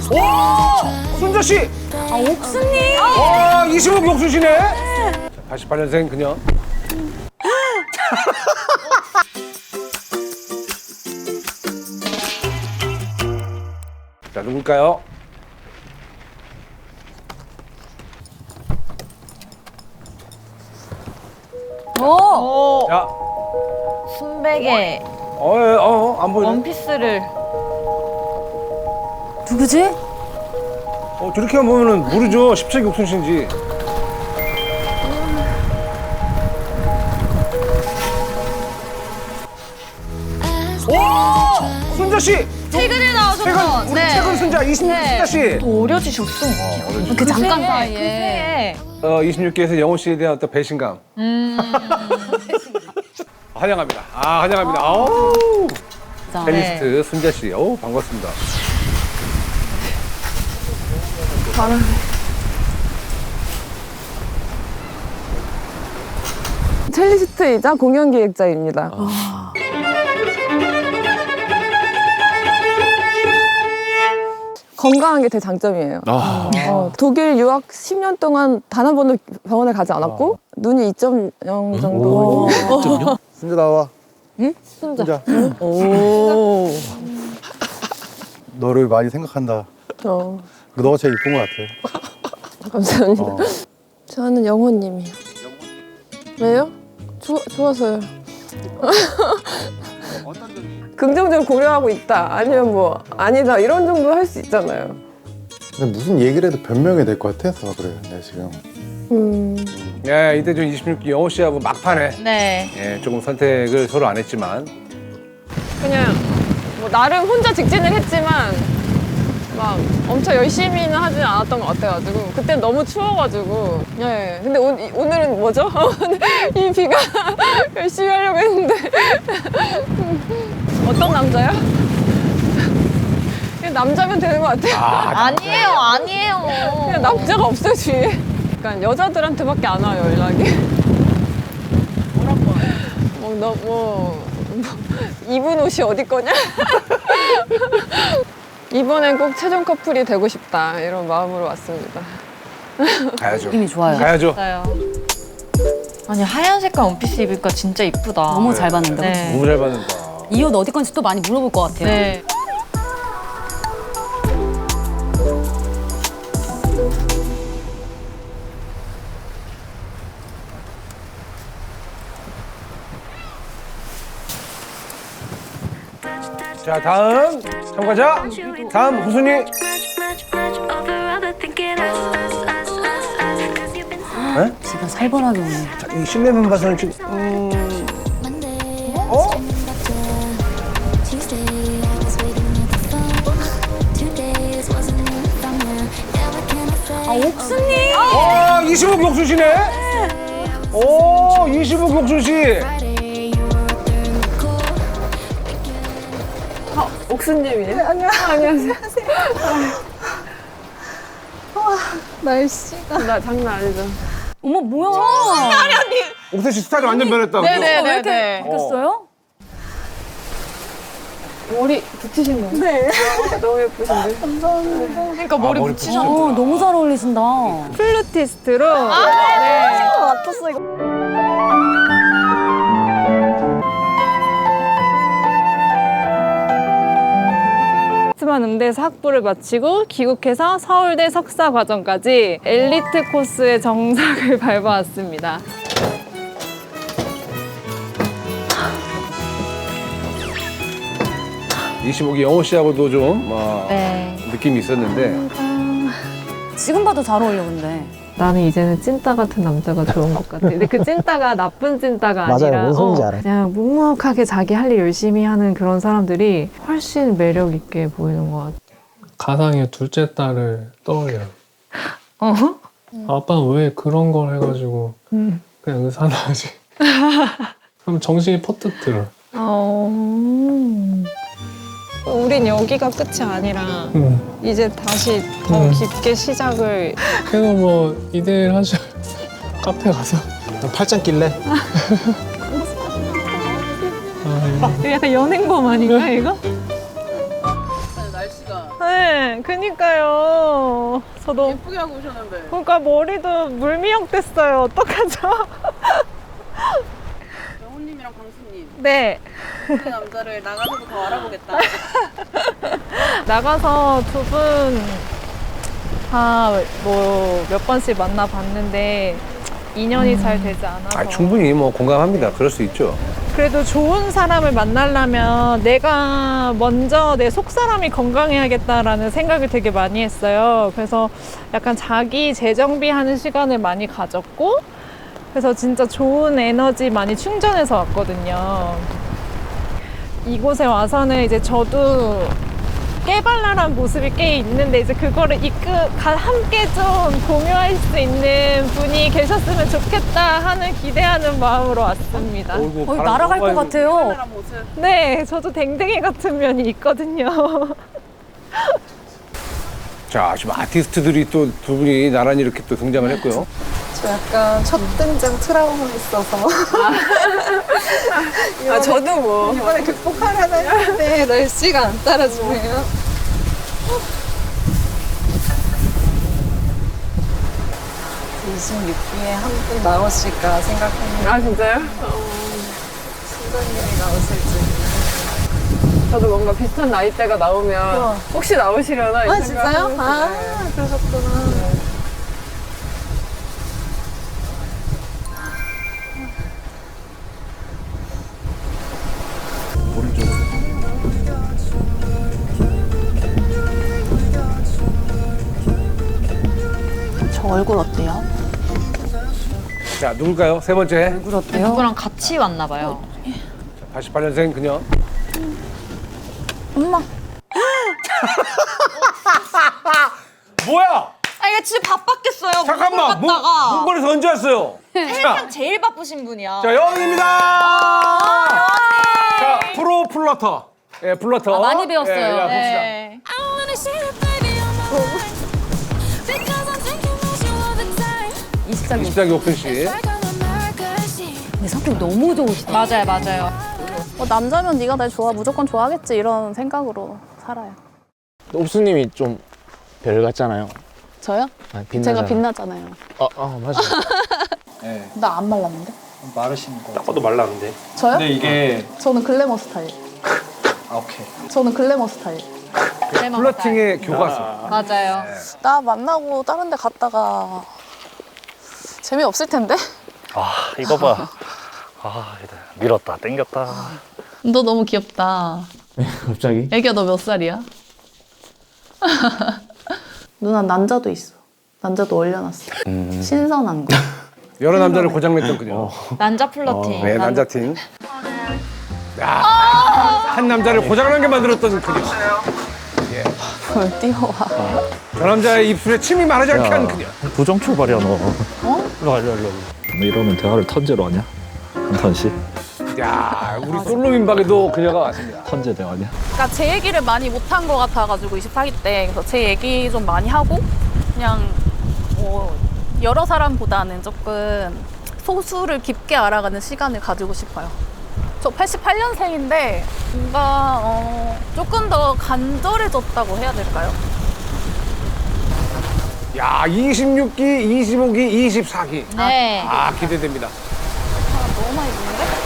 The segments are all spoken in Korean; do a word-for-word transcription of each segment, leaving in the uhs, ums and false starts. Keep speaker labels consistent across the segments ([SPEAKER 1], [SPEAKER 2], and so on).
[SPEAKER 1] 오! 순자 씨!
[SPEAKER 2] 아, 옥수님!
[SPEAKER 1] 와, 이십억 옥수시네? 팔십팔 년생 그녀. 자, 누굴까요?
[SPEAKER 2] 오!
[SPEAKER 1] 자,
[SPEAKER 2] 순백의
[SPEAKER 1] 어, 어, 어, 안 보이네.
[SPEAKER 2] 원피스를.
[SPEAKER 3] 누구지?
[SPEAKER 1] 어, 저렇게 보면은 모르죠. 십세기 옥순씨인지. 오! 순자 씨!
[SPEAKER 2] 최근에 나와서
[SPEAKER 1] 최근, 우리 최근 순자 이십육 기 순자 씨.
[SPEAKER 2] 또 어려지셨어.
[SPEAKER 3] 그 잠깐
[SPEAKER 2] 그
[SPEAKER 3] 사이에.
[SPEAKER 2] 새해.
[SPEAKER 1] 어, 이십육 기에서 영호 씨에 대한 어떤 배신감.
[SPEAKER 2] 음.
[SPEAKER 1] 환영합니다. 아, 환영합니다. 아우.
[SPEAKER 3] 자,
[SPEAKER 1] 첼리스트 순자 씨. 어우, 반갑습니다.
[SPEAKER 4] 첼리스트이자 공연 기획자입니다. 건강한 게 제 장점이에요.
[SPEAKER 1] 아.
[SPEAKER 4] 어, 독일 유학 십 년 동안 단 한 번도 병원에 가지 않았고 눈이 이 점 영 정도.
[SPEAKER 5] 순자 나와.
[SPEAKER 4] 응?
[SPEAKER 5] 순자.
[SPEAKER 4] 오.
[SPEAKER 5] 너를 많이 생각한다.
[SPEAKER 4] 어,
[SPEAKER 5] 너가 제일 이쁜 것 같아.
[SPEAKER 4] 감사합니다.
[SPEAKER 5] 어.
[SPEAKER 4] 저는 영호님이요. 왜요? 좋 좋아서요. 긍정적으로 고려하고 있다. 아니면 뭐 아니다. 이런 정도 할 수 있잖아요.
[SPEAKER 5] 근데 무슨 얘기를 해도 변명이 될 것 같아서 그래. 내가 지금.
[SPEAKER 4] 음.
[SPEAKER 1] 예, 이때 좀 이십육 기 영호 씨하고 막판에
[SPEAKER 2] 네.
[SPEAKER 1] 예, 조금 선택을 서로 안 했지만
[SPEAKER 4] 그냥 뭐 나름 혼자 직진을 했지만 막 엄청 열심히는 하진 않았던 것 같아가지고 그때 너무 추워가지고 예 근데 오, 이- 오늘은 뭐죠? 이 비가 열심히 하려고 했는데 어떤 남자요? 그냥 남자면 되는 것 같아요.
[SPEAKER 2] 아니에요, 아니에요.
[SPEAKER 4] 그냥 남자가 없어요 주위에. 그러니까 여자들한테밖에 안 와요 연락이. 뭐라고 와요? 뭐너뭐 뭐, 입은 옷이 어디 거냐? 이번엔 꼭 최종 커플이 되고 싶다 이런 마음으로 왔습니다.
[SPEAKER 1] 가야죠.
[SPEAKER 3] 느낌이 좋아요.
[SPEAKER 1] 가야죠.
[SPEAKER 2] 맞아요. 아니, 하얀 색깔 원피스 입으니까 진짜 이쁘다.
[SPEAKER 3] 너무 잘 봤는데.
[SPEAKER 2] 네.
[SPEAKER 1] 너무 잘 받는다.
[SPEAKER 3] 이 옷 어디 건지 또 많이 물어볼 것 같아요.
[SPEAKER 2] 네.
[SPEAKER 1] 자, 다음 참가자. 다음 후순위. 네?
[SPEAKER 3] 지금 살벌하게 오네.
[SPEAKER 1] 자, 이 실내만 봐서는 지금 음... 어?
[SPEAKER 3] 아, 옥수님!
[SPEAKER 1] 와, 이십억 옥수시네. 오, 이십억 옥수시.
[SPEAKER 4] 옥수님이에요? 네, 안녕. 안녕하세요. 와 날씨가 나 장난 아니죠.
[SPEAKER 3] 어머, 뭐야?
[SPEAKER 1] 옥수 씨 스타일이 완전 변했다고.
[SPEAKER 4] 네네네네.
[SPEAKER 3] 바뀌었어요?
[SPEAKER 4] 머리 붙이신 거예요? 네. 너무 예쁘신데. 감사합니다.
[SPEAKER 2] 그러니까 머리
[SPEAKER 1] 머리
[SPEAKER 2] 붙이셔.
[SPEAKER 3] 어, 너무 잘 어울리신다.
[SPEAKER 4] 플루티스트로. 네. 맞췄어 이거. 스만 음대에서 학부를 마치고 귀국해서 서울대 석사 과정까지 엘리트 코스의 정석을 밟아왔습니다.
[SPEAKER 1] 이십억이 영호 씨하고도 좀 어,
[SPEAKER 2] 네.
[SPEAKER 1] 느낌이 있었는데
[SPEAKER 3] 지금 봐도 잘 어울려, 근데.
[SPEAKER 4] 나는 이제는 찐따 같은 남자가 좋은 것 같아. 근데 그 찐따가 나쁜 찐따가
[SPEAKER 6] 맞아요.
[SPEAKER 4] 아니라
[SPEAKER 6] 뭔 소리인지
[SPEAKER 4] 어,
[SPEAKER 6] 알아요.
[SPEAKER 4] 그냥 묵묵하게 자기 할 일 열심히 하는 그런 사람들이 훨씬 매력 있게 보이는 것 같아.
[SPEAKER 7] 가상의 둘째 딸을 떠올려요.
[SPEAKER 4] 어?
[SPEAKER 7] 아빠는 왜 그런 걸 해가지고
[SPEAKER 4] 음.
[SPEAKER 7] 그냥 의사나 하지. 그럼 정신이 퍼뜩 들어.
[SPEAKER 4] 어... 우린 여기가 끝이 아니라
[SPEAKER 7] 응.
[SPEAKER 4] 이제 다시 더
[SPEAKER 7] 음.
[SPEAKER 4] 깊게 시작을.
[SPEAKER 7] 그래서 뭐 이대일 하죠. 카페 가서.
[SPEAKER 6] 팔짱 낄래?
[SPEAKER 7] 아,
[SPEAKER 4] 약간 연행범 아닌가 이거?
[SPEAKER 8] 날씨가
[SPEAKER 4] 네, 그니까요. 저도 예쁘게 하고 오셨는데. 그러니까 머리도 물미역 됐어요. 어떡하죠?
[SPEAKER 6] 영훈님이랑 광수님
[SPEAKER 4] 네.
[SPEAKER 6] 그 남자를 나가서도 더 알아보겠다.
[SPEAKER 4] 나가서 두 분 다 뭐 몇 번씩 만나봤는데 인연이 잘 되지 않아서.
[SPEAKER 1] 아, 충분히 뭐 공감합니다. 그럴 수 있죠.
[SPEAKER 4] 그래도 좋은 사람을 만나려면 내가 먼저 내 속사람이 건강해야겠다라는 생각을 되게 많이 했어요. 그래서 약간 자기 재정비하는 시간을 많이 가졌고, 그래서 진짜 좋은 에너지 많이 충전해서 왔거든요. 이곳에 와서는 이제 저도 깨발랄한 모습이 꽤 있는데 이제 그거를 이끌 함께 좀 공유할 수 있는 분이 계셨으면 좋겠다 하는 기대하는 마음으로 왔습니다.
[SPEAKER 1] 어이구,
[SPEAKER 3] 거의
[SPEAKER 1] 바람
[SPEAKER 3] 날아갈 것
[SPEAKER 1] 너무 많이
[SPEAKER 3] 같아요.
[SPEAKER 4] 네, 저도 댕댕이 같은 면이 있거든요.
[SPEAKER 1] 자, 지금 아티스트들이 또 두 분이 나란히 이렇게 또 등장을 했고요.
[SPEAKER 8] 저 약간 첫 등장 트라우마 있어서
[SPEAKER 4] 아, 저도 뭐.
[SPEAKER 8] 이번에 극복하려나 했는데 날씨가 안 따라주네요. 이십육 기에 한 분 나오실까 생각했는데
[SPEAKER 4] 아, 진짜요?
[SPEAKER 8] 순자님이 나오실지.
[SPEAKER 4] 저도 뭔가 비슷한 나이대가 나오면 혹시 나오시려나? 이
[SPEAKER 8] 아 진짜요?
[SPEAKER 4] 생각을
[SPEAKER 8] 아
[SPEAKER 4] 했어요.
[SPEAKER 8] 그러셨구나.
[SPEAKER 3] 저 얼굴 어때요?
[SPEAKER 1] 자, 누굴까요? 세 번째.
[SPEAKER 3] 얼굴 어때요?
[SPEAKER 2] 누구랑 같이 왔나 봐요.
[SPEAKER 1] 팔십팔 년생 그녀.
[SPEAKER 3] 엄마.
[SPEAKER 1] 뭐야?
[SPEAKER 2] 아 이게 진짜 바빴겠어요.
[SPEAKER 1] 잠깐만. 문,
[SPEAKER 2] 갔다가
[SPEAKER 1] 문걸에서 언제 왔어요? 자,
[SPEAKER 2] 제일 바쁘신 분이야.
[SPEAKER 1] 자, 여왕입니다. 자, 프로 플러터. 예, 플러터.
[SPEAKER 3] 아, 많이 배웠어요.
[SPEAKER 1] 예, 야, 봅시다.
[SPEAKER 2] 네.
[SPEAKER 3] 이십 장
[SPEAKER 1] 이십 장기 옥순 씨.
[SPEAKER 3] 근데 성격 너무 좋으시다.
[SPEAKER 2] 맞아요, 맞아요.
[SPEAKER 3] 어, 남자면 네가 날 좋아 무조건 좋아하겠지 이런 생각으로 살아요.
[SPEAKER 9] 옥수님이 좀 별 같잖아요.
[SPEAKER 3] 저요?
[SPEAKER 9] 아, 빛나잖아요.
[SPEAKER 3] 제가 빛나잖아요.
[SPEAKER 9] 어, 어 맞아요.
[SPEAKER 10] 네,
[SPEAKER 3] 나 안 말랐는데?
[SPEAKER 10] 마르신 거.
[SPEAKER 9] 딱 봐도 말라 근데.
[SPEAKER 3] 저요?
[SPEAKER 10] 근데 이게
[SPEAKER 3] 저는 글래머 스타일.
[SPEAKER 10] 아, 오케이.
[SPEAKER 3] 저는 글래머 스타일.
[SPEAKER 1] 플러팅의 교과서.
[SPEAKER 2] 맞아요.
[SPEAKER 3] 나 만나고 다른 데 갔다가 재미없을 텐데?
[SPEAKER 9] 아 이거 봐. 아 밀었다 땡겼다.
[SPEAKER 11] 너 너무 귀엽다.
[SPEAKER 9] 갑자기?
[SPEAKER 11] 애기야 너 몇 살이야?
[SPEAKER 3] 누나 난자도 있어. 난자도 올려놨어.
[SPEAKER 9] 음.
[SPEAKER 3] 신선한 거.
[SPEAKER 1] 여러 남자를 고장냈던 그녀.
[SPEAKER 2] 난자 플러팅.
[SPEAKER 1] 네, 남자팀. 야, 한 남자를 고장나게 만들었던 그녀. 예.
[SPEAKER 3] 뭘 뛰어와.
[SPEAKER 1] 저 남자의 입술에 침이 마르지 않게 한 그녀.
[SPEAKER 9] 부정 출발이야 너. 어? 일로 와 일로 와 일로 와.
[SPEAKER 12] 너 이러면 대화를 턴제로 하냐? 한 턴씩?
[SPEAKER 1] 야, 우리 솔로 민박에도 그녀가 왔습니다.
[SPEAKER 12] 턴제 대화냐?
[SPEAKER 3] 그러니까 제 얘기를 많이 못한 것 같아가지고 이십사 기 때 그래서 제 얘기 좀 많이 하고 그냥 뭐 여러 사람보다는 조금 소수를 깊게 알아가는 시간을 가지고 싶어요. 저 팔십팔 년생인데 뭔가 어, 조금 더 간절해졌다고 해야 될까요?
[SPEAKER 1] 야, 이십육 기, 이십오 기, 이십사 기.
[SPEAKER 2] 네.
[SPEAKER 1] 아, 기대됩니다.
[SPEAKER 3] 아, 너무 많이 보는데?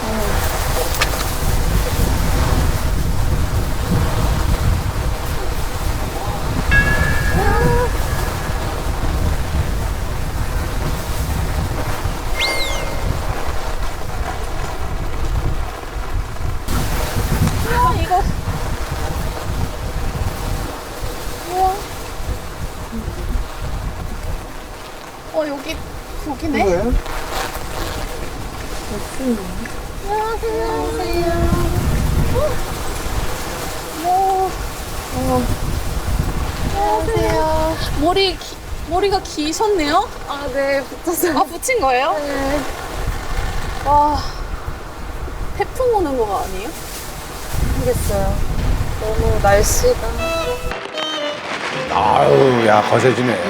[SPEAKER 3] 우와 이거 우와 어 여기 여기네? 안녕하세요. 어. 어. 안녕하세요. 머리 기, 머리가 기셨네요? 아, 네, 붙였어요. 아, 붙인 거예요? 네. 와, 태풍 오는 거 아니에요? 모르겠어요. 너무 날씨가.
[SPEAKER 1] 아유, 야, 거세지네.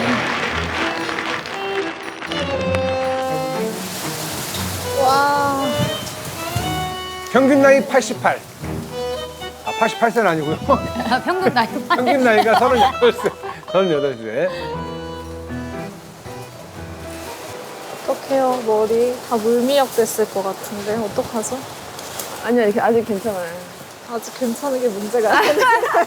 [SPEAKER 8] 와.
[SPEAKER 1] 평균 나이 팔십팔. 아, 팔십팔 세는 아니고요.
[SPEAKER 2] 평균 나이.
[SPEAKER 1] 평균 나이가 서른여덟 세. 서른여덟 세.
[SPEAKER 8] 어떡해요, 머리. 다 물미역 됐을 것 같은데. 어떡하죠?
[SPEAKER 4] 아니야, 이렇게 아직 괜찮아요.
[SPEAKER 8] 아직 괜찮은 게 문제가 아니야.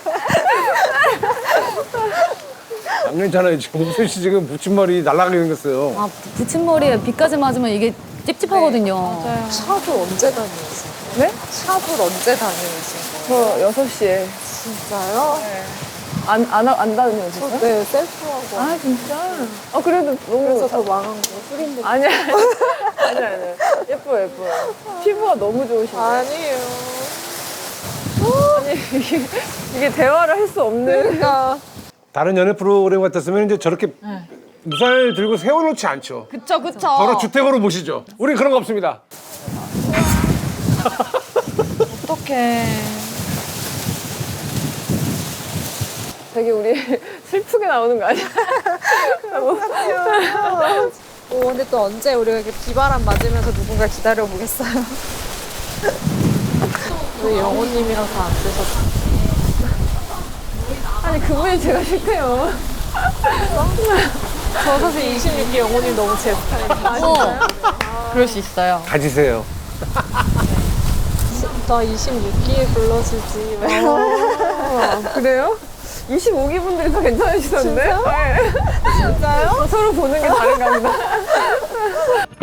[SPEAKER 1] 안 괜찮아요. 지금 옥순 씨 지금 붙임머리 날아가게 생겼어요.
[SPEAKER 11] 아, 붙임머리에 비까지 맞으면 이게 찝찝하거든요.
[SPEAKER 8] 샵을 언제 다니세요?
[SPEAKER 4] 네?
[SPEAKER 8] 샵을 언제 다니세요?
[SPEAKER 4] 저 여섯 시에.
[SPEAKER 8] 진짜요?
[SPEAKER 4] 안, 안, 하- 안 다녀요,
[SPEAKER 8] 저
[SPEAKER 4] 진짜?
[SPEAKER 8] 네, 셀프하고.
[SPEAKER 4] 아, 진짜? 아, 그래도 너무.
[SPEAKER 8] 그래서 더 망한 거. 흐린
[SPEAKER 4] 아니야, 아니야, 아니야. 예뻐요, 예뻐요. 피부가 너무 좋으신데.
[SPEAKER 8] 아니에요.
[SPEAKER 4] 아니, 이게, 이게 대화를 할 수 없는.
[SPEAKER 8] 그러니까.
[SPEAKER 1] 다른 연애 프로그램 같았으면 이제 저렇게 우산을 들고 세워놓지 않죠.
[SPEAKER 2] 그쵸 그쵸.
[SPEAKER 1] 바로 주택으로 모시죠. 우린 그런 거 없습니다.
[SPEAKER 2] 어떡해.
[SPEAKER 4] 되게 우리 슬프게 나오는 거 아니야?
[SPEAKER 8] 오, 근데 또 언제 우리가 이렇게 비바람 맞으면서 누군가 기다려보겠어요? 왜 영호님이랑 다 안 되셨어요?
[SPEAKER 4] 아니, 그분이 제가 싫대요.
[SPEAKER 8] 저 사실 이십육 기 영호님 너무 제 스타일이에요.
[SPEAKER 2] 어. 그럴 수 있어요.
[SPEAKER 1] 가지세요.
[SPEAKER 8] 나 이십육 기에 불러주지.
[SPEAKER 4] 아, 그래요? 이십오 기 분들이 더 괜찮으시던데? 진짜? 진짜요? 서로 보는 게 다른가 보다.